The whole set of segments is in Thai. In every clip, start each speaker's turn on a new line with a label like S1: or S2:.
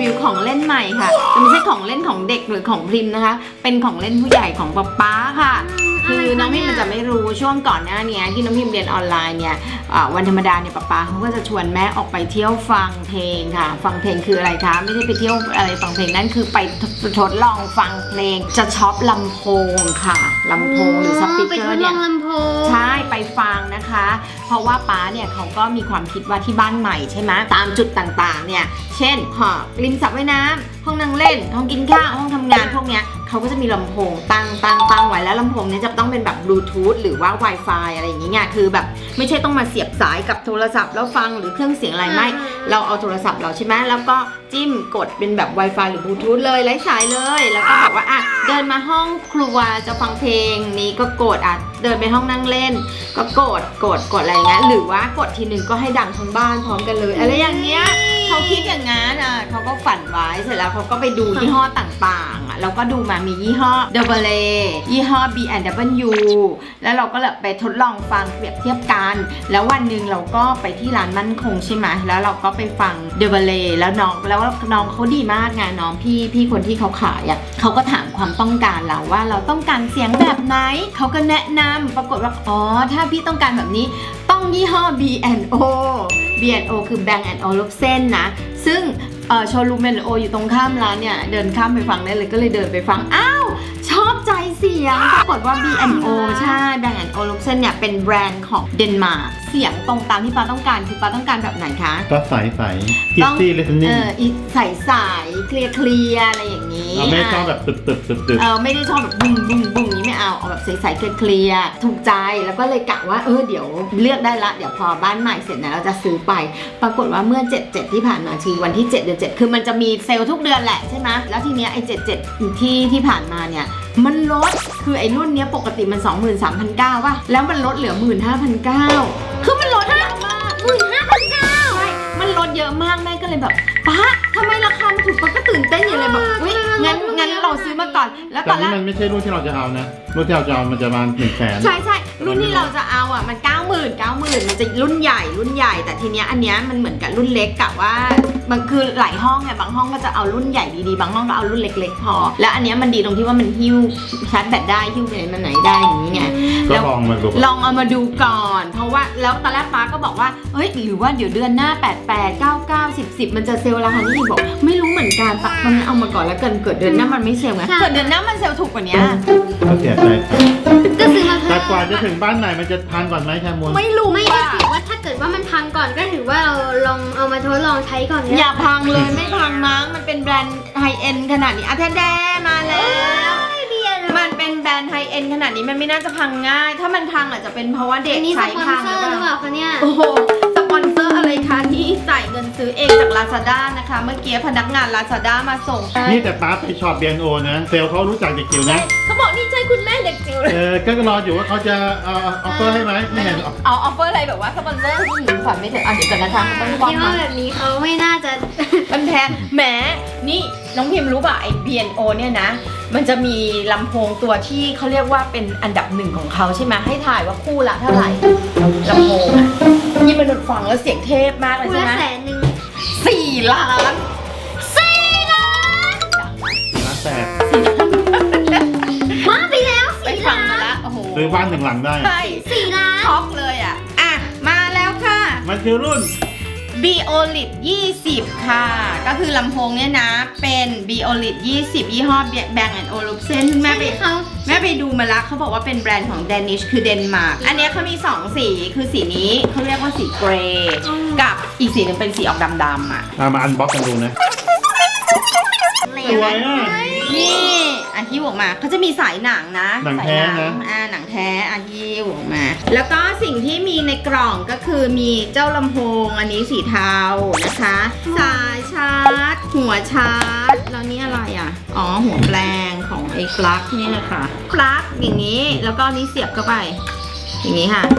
S1: วิวของเล่นใหม่ค่ะแต่ไม่ใช่ของเล่นของเด็กหรือของพริมนะคะเป็นของเล่นผู้ใหญ่ของป๊าค่ะคือน้องพิมมันจะไม่รู้ช่วงก่อนหน้านี้ที่น้องพิมเรียนออนไลน์เนี่ยวันธรรมดาเนี่ยป๊าเขาก็จะชวนแม่ออกไปเที่ยวฟังเพลงค่ะฟังเพลงคืออะไรคะไม่ใช่ไปเที่ยวอะไรฟังเพลงนั่นคือไปทดลองฟังเพลงจะช็อปลำโพงค่ะลำโพงหรือสปีกเกอร์เนี่ยใช่ไปฟังนะคะเพราะว่าป๊าเนี่ยเขาก็มีความคิดว่าที่บ้านใหม่ใช่ไหมตามจุดต่างๆเนี่ยเช่นริมสระว่ายน้ำห้องนั่งเล่นห้องกินข้าวห้องทำงานพวกเนี้ยเขาก็จะมีลำโพงตั้งไว้แล้วลำโพงนี้จะต้องเป็นแบบบลูทูธหรือว่า Wi-Fi อะไรอย่างเงี้ยคือแบบไม่ใช่ต้องมาเสียบสายกับโทรศัพท์แล้วฟังหรือเครื่องเสียงอะไรไม่เราเอาโทรศัพท์เราใช่ไหมแล้วก็จิ้มกดเป็นแบบ Wi-Fi หรือบลูทูธเลยไร้สายเลยแล้วก็บอกว่าเดินมาห้องครัวจะฟังเพลงนี้ก็กดเดินไปห้องนั่งเล่นก็กดอะไรเงี้ยหรือว่ากดทีนึงก็ให้ดังทั้งบ้านพร้อมกันเลยอะไรอย่างเงี้ยเขาคิดอย่างนั้นเขาก็ฝันไว้เสร็จแล้วเขาก็ไปดูยี่ห้อต่างๆแล้วก็ดูมามียี่ห้อ Double A ยี่ห้อ B&W แล้วเราก็เลยไปทดลองฟังเปรียบเทียบกันแล้ววันหนึ่งเราก็ไปที่ร้านมั่นคงใช่ไหมแล้วเราก็ไปฟัง Double A แล้วน้องเขาดีมากไงน้องพี่คนที่เขาขายเขาก็ถามความต้องการเราว่าเราต้องการเสียงแบบไหนเขาก็แนะนำปรากฏว่าถ้าพี่ต้องการแบบนี้ต้องยี่ห้อ B&O คือ Bang & Olufsen นะซึ่งโชว์รูม B&O อยู่ตรงข้ามร้านเนี่ยเดินข้ามไปฟังได้เลยก็เลยเดินไปฟังชอบใจเสียงปรากฏว่า B&O ใช่ Bang & Olufsen เนี่ยเป็นแบรนด์ของเดนมาร์กเสียงตรงตามที่ป้าต้องการคือป้าต้องการแบบไหนคะ
S2: ก็ใสeasy listening
S1: ใสเคลียร์อะไรอย่างนี้
S2: ไม่ชอบแบบตึบ
S1: ไม่ได้ชอบแบบบุ้งนี้ไม่เอาแบบใสเคลียร์ถูกใจแล้วก็เลยกะว่าเดี๋ยวเลือกได้ละเดี๋ยวพอบ้านใหม่เสร็จนะเราจะซื้อไปปรากฏว่าเมื่อ7/7ที่ผ่านมาคือวันที่7 เดือน 7คือมันจะมีเซลล์ทุกเดือนแหละใช่ไหมแล้วทีเนี้ยไอ้7/7ที่ผ่านมาเนี่ยมันลดคือไอ้รุ่นเนี้ยปกติมัน 23,900 ป่ะแล้วมันลดเหลือ 15,900 คือมันลดเยอะมาก 15,900 ใช่มันลดเยอะมากแม่ก็เลยแบบป๊าทำไมราคามันถูกป๊าก็ตื่นเต้นอยู่เลยแบบงั้นเราซื้อมาก่อนแล้วตอนแรก
S2: มันไม่ใช่รุ่นที่เราจะเอานะรุ่นที่เราจะเอามันจะประมาณ 100,000
S1: ใช่รุ่นที่เราจะเอามัน 90,000 มันจะรุ่นใหญ่แต่ทีเนี้ยอันเนี้ยมันเหมือนกับรุ่นเล็กกะว่ามันคือหลายห้องไงบางห้องก็จะเอารุ่นใหญ่ดีๆบางห้องก็เอารุ่นเล็กๆพอแล้วอันเนี้ยมันดีตรงที่ว่ามันหิ้วชาร์จแบตได้หิ้วไปไหนมาไหนได้อย่างนี้ไง
S2: ก็ลอง
S1: เอามาดูก่อนเพราะว่าแล้วตอนแรกป้าก็บอกว่าหรือว่าเดี๋ยวเดือนหน้า88 99 10มันจะเซลล์ราคานี้บอกไม่รู้เหมือนกันตอนนั้นเอามาก่อนแล้วเกิดเดือนหน้ามันไม่เซลล์ไงเกิดเดือนหน้ามันเซลล์ถูกกว่านี้
S2: ก็เสียใจ
S3: ก็ซื้อมา
S2: แต่กว่าจะถึงบ้านไหนมันจะพังก่อนไหมแคมูล
S1: ไม่รู้
S3: ไม่ได้ถือว่าถ้าเกิดว่ามันพังก่อนก็ถือว่าเราลองเอามาทดลองใช้ก่อน
S1: อย่าพังเลยไม่พังมั้งมันเป็นแบรนด์ไฮเอ็นขนาดนี้แท้ๆมาแล้วมันเป็นแบรนด์ไฮเอ็นขนาดนี้มันไม่น่าจะพังง่ายถ้ามันพังอาจจะเป็นเพราะว่าเด็กใช้พังหรือเปล่า
S3: คะเนี่ย
S1: โอ้โหสปอนเซอร์อะไรคะที่จ่ายเงินซื้อเองจาก Lazada นะคะเมื่อกี้พนักงาน Lazada มาส่ง
S2: นี่แต่ป้าไปช็อป B&O นะเซลล์เขารู้จักเด็กจิ๋วนะ
S1: เขาบอกนี่ใช่คุณแม่เด็กจิ๋วเลย
S2: ก็รออยู่ว่าเขาจะออฟเฟอร์ให้ไหมไม่เห็น
S1: เอาออฟเฟอร์อะไรแบบว่าสปอนเซอร์ผู้หญิงขวัญไม่ถึงเดี๋ยวก่อนนะคะมันต้อง
S3: ความที่ว่าแบบนี้เขาไม่น่าจะ
S1: มันแพงแหมนี่น้องพิมรู้ป่ะไอ้ B&O เนี่ยนะมันจะมีลำโพงตัวที่เขาเรียกว่าเป็นอันดับ1ของเขาใช่ไหมให้ถ่ายว่าคู่ละเท่าไหร่ลำโพงนี่มันฟังแล้วเสียงเทพมากเลยใช่ไหม4 ล้าน
S3: มาไปแล้ว
S1: 4 ล้านมาละโอ้โห
S2: ซื้อบ้าน1 หลังได้
S1: ใช่4 ล้านช็อกเลยมาแล้วค่ะ
S2: มันคือรุ่น
S1: Beolid 20 ค่ะก็คือลำโพงเนี่ยนะเป็น Beolid 20 ยี่ห้อ Bang & Olufsen แม่ไปดูมาแล้วเขาบอกว่าเป็นแบรนด์ของ Danish คือเดนมาร์กอันนี้เขามี2 สีคือสีนี้เขาเรียกว่าสีเกรย์กับอีกสีหนึ่งเป็นสีออกดำๆ
S2: มาอันบ็อกกันดูนะสวย
S1: นี่หิ้วออกมาเขาจะมีสายหนังนะ
S2: หนังแท้นะ
S1: หนังแท้หิ้วออกมาแล้วก็สิ่งที่มีในกล่องก็คือมีเจ้าลำโพงอันนี้สีเทานะคะสายชาร์จหัวชาร์จแล้วนี่อะไรหัวแปลงของไอ้ปลั๊กนี่แหละค่ะปลั๊กอย่างนี้แล้วก็นี้เสียบเข้าไปอย่างนี้ค่ะ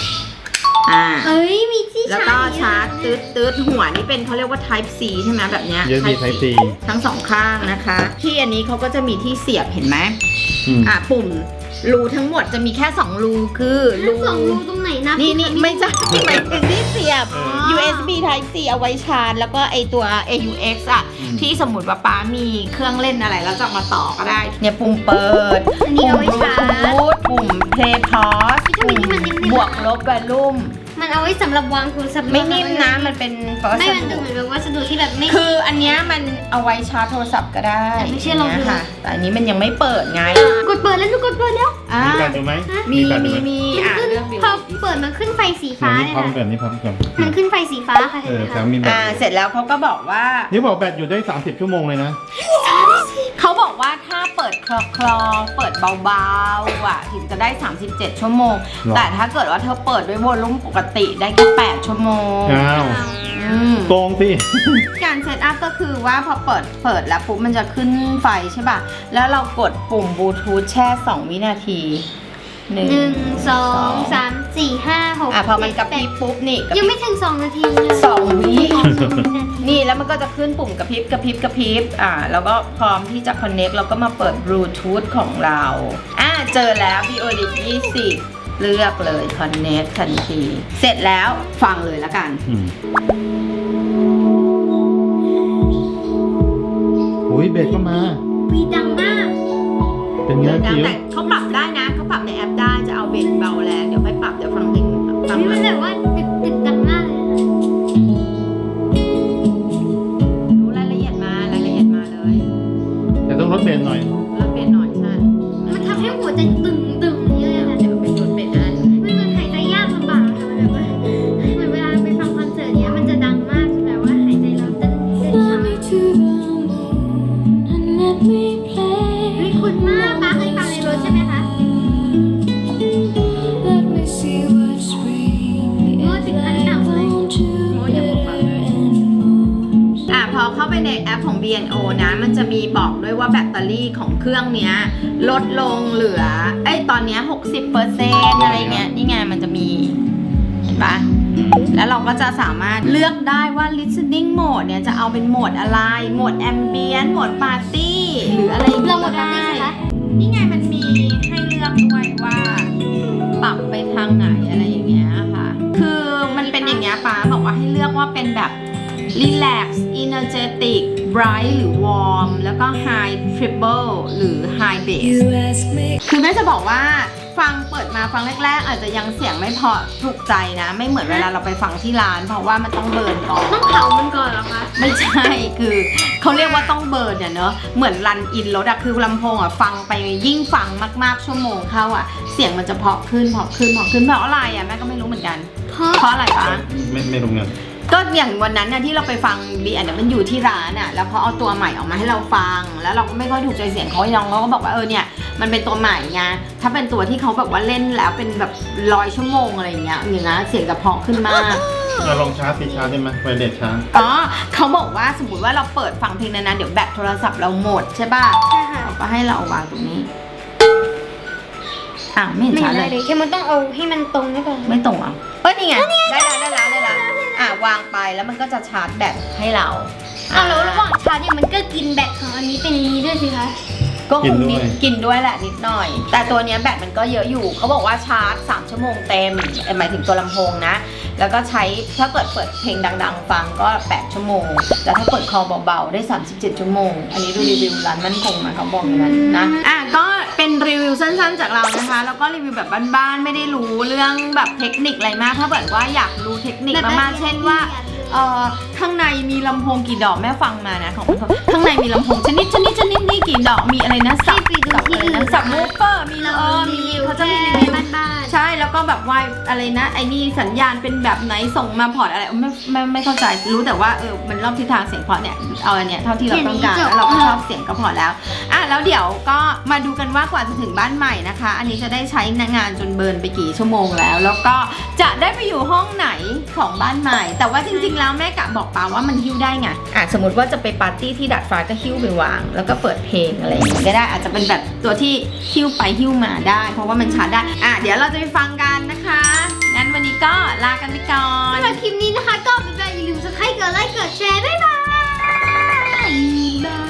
S3: มีที่
S1: แล้วก็ชาร์จตืดหัวนี่เป็นเขาเรียกว่า Type C ใช่ไหมแบบเนี้ย
S2: Type C
S1: ทั้ง2 ข้างนะคะที่อันนี้เขาก็จะมีที่เสียบเห็นไหมปุ่มรูทั้งหมดจะมีแค่2 รูคือ
S3: 2 รูตรงไหนนะ
S1: นี่ไม่ใช่หมายถึงที่เสียยบ USB Type C เอาไว้ชาร์จแล้วก็ไอตัว AUX อ่ะที่สมมติว่าป๊ามีเครื่องเล่นอะไรแล้วจะเอามาต่อก็ได้เนี่ยปุ่มเปิด
S3: อันนี้เอาไว้ชาร์จ
S1: ปุ่ม Play Pause
S3: ทำไมนี่มันนิ่มๆ
S1: บวกลบ Volume
S3: มันเอาไว้สำหรับวางโทรศัพท์
S1: ไม่นิ่มนะมันเป็นวัส
S3: ไม่มันดู
S1: ดุ
S3: เหมือนแบบวัสดุที่แบบไม่
S1: คืออันเนี้ยมันเอาไว้ชาร์จโทรศัพท์ก็ได้
S3: แต่ไม่ใช่รองพื้น
S1: ค่ะแต่อันนี้มันยังไม่เปิดไง
S3: กดเปิดแล้วกดเปิดแล้ว
S1: อ่า
S2: มีแบตอยู่ไหม
S1: มี
S2: แบตอยู่ไหม
S3: มันขึ้น
S1: เลือกดู
S3: พอเปิดมันขึ้นไฟสีฟ้า
S2: นี่
S3: เลย
S2: พร้อม
S3: ค่ะ
S2: แบบนี้พร้อมกัน
S3: มันขึ้นไฟสีฟ้าค่ะ
S2: เอ
S3: เห็น
S2: อ
S3: ไหม
S2: แซ
S3: คะ
S2: มมีแบต
S1: เสร็จแล้วเขาก็บอกว่า
S2: นี่บอกแบตอยู่ได้ 30 ชั่วโมงเลยนะ
S1: เขาบอกว่าถ้าเปิดคลอเปิดเบาๆอ่ะถึงจะได้ 37 ชั่วโมง
S2: หรอ
S1: แต่ถ้าเกิดว่าเธอเปิดด้วยวอลลุ่มปกติได้แค่8ชั่วโมง
S2: อ้าว
S1: อืม
S2: โกงสิ
S1: การเซตอัพก็คือว่าพอเปิดแล้วปุ๊บมันจะขึ้นไฟใช่ป่ะ แล้วเรากดปุ่มบลูทูธแช่ 2 วินาที1
S3: 1 2 3 4 5 6
S1: อ่ะพอมันกระพริบปุ๊บนี่กระพ
S3: ยั
S1: ริ
S3: ง
S1: บ
S3: ไม่ถึง2 นาทีเลย
S1: 2 วิ
S3: 2
S1: นี่แล้วมันก็จะขึ้นปุ่มกระพริบแล้วก็พร้อมที่จะ connect เราก็มาเปิดบลูทูธของเราเจอแล้ว Biolip 20 เลือกเลย connect ทันที เสร็จแล้วฟังเลยละกัน
S2: อุ้ยเบสก็มา
S3: วีดังมาก
S2: เป็นไงจิ๋ว
S1: แต่เขาปรับได้นะเขาปรับในแอปได้จะเอาเบสเบาแรงเดี๋ยวค่อยปรับเดี๋ยวฟังเพลงฟัง
S3: นี่
S1: เล
S3: มัน
S1: ย
S3: แบบว่าตึกดังมากเลยค่ะ
S1: รู้รายละเอียดมารายละเอียดมาเลย
S2: แต่ต้องลดเบสหน่อย
S1: แล้วเปลี่ยนหน่อยใช่
S3: มันทำให้หัวใจตึงเยอะเลยค่ะ
S1: เดี๋ยวเป็นรถเป็นอัน
S3: ไม่เหมือนหายใจยากลำบากค่ะมันแบบว่าเหมือนเวลาไปฟังคอนเสิร์ตเนี้ยมันจะดังมากจนแบบว่าหายใจเราเต้นช้า
S4: Fly me to the moon and let me play.
S3: เฮ้ยคุณมากป้าเคยฟังในรถใช่ไหมคะ
S4: Let me see what spring
S3: Oh,
S4: is
S3: think I
S4: like
S3: know.
S4: on Jupiter and Mars.
S1: พอเข้าไปในแอปของ B&O นะ มันจะมีบอกด้วยว่าแบตเตอรี่ของเครื่องเนี้ยลดลงเหลือตอนเนี้ย 60% อะไรเงี้ย นี่ไงมันจะมี เห็นปะแล้วเราก็จะสามารถเลือกได้ว่า listening mode เนี่ยจะเอาเป็นโหมดอะไร โหมด ambient โหมด party หรืออะไรอย่าง
S3: เรา
S1: เงี้ย
S3: หม
S1: ก็
S3: ดปาร์ตี้
S1: ได้
S3: ใช่ไหมคะ
S1: นี่ไงมันมีให้เลือกด้วยว่า ปรับไปทางไหนอะไรอย่างเงี้ยค่ะ คือมันเป็นอย่างเงี้ยป้าบอกว่าให้เลือกว่าเป็นแบบ relax energetic bright หรือ warm แล้วก็ high treble หรือ high bass
S4: You ask me.
S1: คือแม่จะบอกว่าฟังเปิดมาฟังแรกๆ อาจจะยังเสียงไม่พอถูกใจนะ ไม่เหมือนเวลาเราไปฟังที่ร้าน เพราะว่ามันต้องเบิร์นก่อน
S3: ต้องเผามันก่อนเหรอคะ
S1: ไม่ใช่คือเขาเรียกว่าต้องเบิร์นเนี่ยเนอะเหมือนรันอินรถอะคือลำโพงอะฟังไปยิ่งฟังมากๆชั่วโมงเข้าอะเสียงมันจะเพราะขึ้นเพราะอะไรอะแม่ก็ไม่รู้เหมือนกัน เพราะอะไรปะ
S2: ไม่รู้เงิน
S1: ก็อย่างวันนั้นน่ะที่เราไปฟังบีอันนั้นมันอยู่ที่ร้านอ่ะแล้วเขาเอาตัวใหม่ออกมาให้เราฟัง แล้วเราก็ไม่ค่อยถูกใจเสียงเขาน้องเขาก็บอกว่าเนี่ยมันเป็นตัวใหม่ไงถ้าเป็นตัวที่เขาแบบว่าเล่นแล้วเป็นแบบ100 ชั่วโมงอะไรอย่างเงี้ยเสียงจะเพราะขึ้นมาก
S2: เราลองชาร์จสิชาร์จได้ไหมไวเลสชาร์จ
S1: อ๋อเขาบอกว่าสมมติว่าเราเปิดฟังเพลงนั้นๆเดี๋ยวแบตโทรศัพท์เราหมดใช่ป่ะ
S3: ใช่ค่ะ
S1: เขาก็ให้เราวางตรงนี้ไม่เห็น
S3: ไม่
S1: ชัด
S3: ได้
S1: เลย
S3: เลยแค่มันต้องเอาให้มันตรงนี่ก่อน
S1: ไม่ตรงอ่ะนี่ไงได้แล้ววางไปแล้วมันก็จะชาร์จแบตให้เรา
S3: แล้วระหว่างชาร์จเนี่ยมันก็กินแบตของอันนี้เป็นนี้ด้วยสิคะ
S1: ก็คงกินด้วยแหละนิดหน่อย แต่ตัวเนี้ยแบตมันก็เยอะอยู่เขาบอกว่าชาร์จ3 ชั่วโมงเต็มหมายถึงตัวลำโพงนะแล้วก็ใช้ถ้าเปิดเพลงดังๆฟังก็8 ชั่วโมงแล้วถ้าเปิดคอเบาๆได้37 ชั่วโมงอันนี้ดูรีวิวร้านมั่นคงมาเขาบอกอย่างนั้นนะก็เป็นรีวิวสั้นๆจากเรานะคะแล้วก็รีวิวแบบบ้านๆไม่ได้รู้เรื่องแบบเทคนิคอะไรมากถ้าเกิดว่าอยากรู้เทคนิคมากๆเช่นว่าข้างในมีลำโพงกี่ดอกแม่ฟังมานะของเขาข้างในมีลำโพงชนิดนี่กี่ดอกมีอะไรนะสับ
S3: ไปดูที่อื่น
S1: สับมูฟเฟอร์มีเขาจะมีรีวิว
S3: บ้าน
S1: ใช่แล้วก็แบบว่าอะไรนะไอ้นี่สัญญาณเป็นแบบไหนส่งมาพอร์ตอะไรไม่เข้าใจรู้แต่ว่ามันรอบทิศทางเสียงเพราะเนี่ยเอาอันเนี้ยเท่าที่เราต้องการแล้วเราก็ชอบเสียงก็พอแล้วแล้วเดี๋ยวก็มาดูกันว่ากว่าจะถึงบ้านใหม่นะคะ อันนี้จะได้ใช้งานจนเบิร์นไปกี่ชั่วโมงแล้วก็จะได้ไปอยู่ห้องไหนของบ้านใหม่ แต่ว่าจริงๆแล้วแม่กะบอกป้าว่ามันหิ้วได้ไงสมมติว่าจะไปปาร์ตี้ที่ดาดฟ้าก็หิ้วไปวางแล้วก็เปิดเพลงอะไรอย่างงี้ก็ได้อาจจะเป็นแบบตัวที่หิ้วไปหิ้วมาได้ เพราะว่ามันชาร์จได้เดี๋ยวเราจะไปฟังกันนะคะงั้นวันนี้ก็ลากันไปก่อน
S3: สำหรับคลิปนี้นะคะก็เป็นแบบอย่าลืมกดไลค์กดแชร์บ๊ายบาย